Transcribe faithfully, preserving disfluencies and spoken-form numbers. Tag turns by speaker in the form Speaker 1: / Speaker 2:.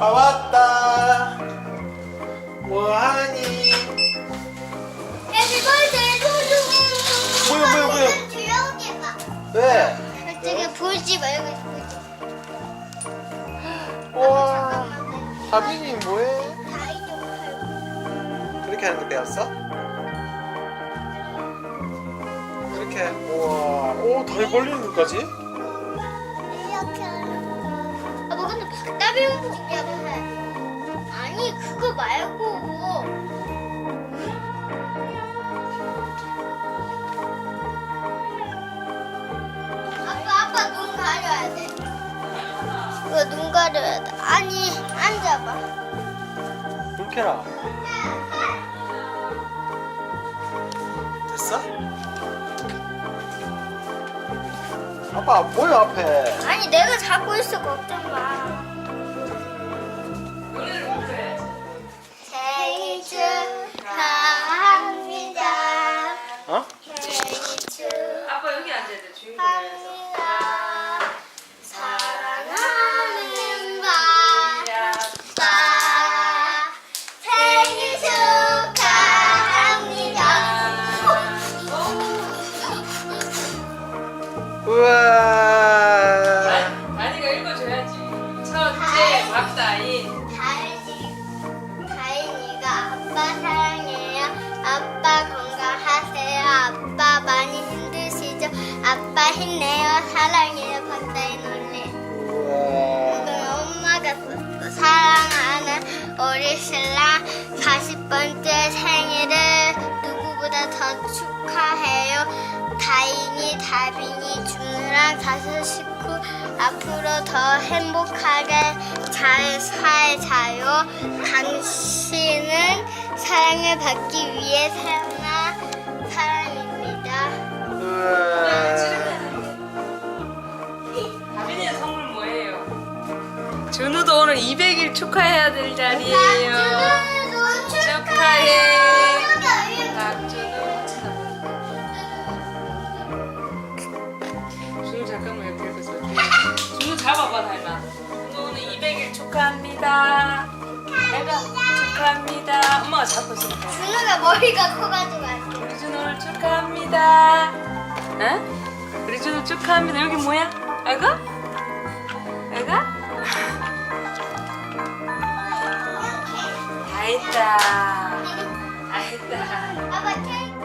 Speaker 1: 아빠 왔다. 뭐하니?
Speaker 2: 해피 버스데이 토종.
Speaker 1: 뭐야, 뭐야, 뭐야?
Speaker 2: 귀여우게 봐.
Speaker 1: 왜?
Speaker 2: 저기 보지 말고 보지.
Speaker 1: 우와. 다빈이 뭐해?
Speaker 2: 다리 좀 팔고.
Speaker 1: 그렇게 하는 거 배웠어? 이렇게. 우와. 오, 다리 벌리는 것까지?
Speaker 2: 이렇게. 아, 뭐 근데 박다비 움직이냐고 해. 아니 그거 말고. 아빠 아빠 눈 가려야 돼. 이거 눈 가려야 돼. 아니 앉아봐.
Speaker 1: 이렇게 해라. 됐어? 아빠 뭐야 앞에?
Speaker 2: 아니 내가 잡고 있어 걱정 마. 생일 축하합니다.
Speaker 1: 어?
Speaker 2: 생일
Speaker 3: 아빠 여기 앉아야 돼. 주인공이라서.
Speaker 2: 축하합니다. 사랑하는
Speaker 3: 야,
Speaker 2: 아빠 생일 축하합니다.
Speaker 1: 우와.
Speaker 3: 다니가 읽어줘야지. 첫째 박다인.
Speaker 2: 다인이, 다인이가 아빠 사랑해요. 아빠 건강하세요. 아빠 많이 힘드시죠? 아빠 힘내요. 사랑해요. 박다인 언니.
Speaker 1: 우와.
Speaker 2: 이건 엄마가 썼어. 사랑하는 우리 신랑 사십 번째 생일을 누구보다 더 축하해요. 다인이, 다빈이, 준우랑 다섯 식구 앞으로 더 행복하게 잘 살자요. 당신은 사랑을 받기 위해 태어난 사람입니다.
Speaker 1: 우와.
Speaker 3: 다빈이의 선물 뭐예요? 준우도 오늘 이백 일 축하해야 될 자리예요.
Speaker 2: 준우도
Speaker 3: 축하해.
Speaker 2: 축하해.
Speaker 3: 박준우. 준우 잠깐만 이렇게 해서 준우 잡아봐 닮아. 준우 오늘 이백 일 축하합니다. 내가 축하합니다. 엄마가 잡고 있어.
Speaker 2: 준우가 머리가 커가지고 안 돼.
Speaker 3: 우리 준우 오늘 축하합니다. 응? 우리 준우 축하합니다. 여기 뭐야? 아이고? 아이고? 다 했다. 다 했다.
Speaker 2: 아빠 케이크.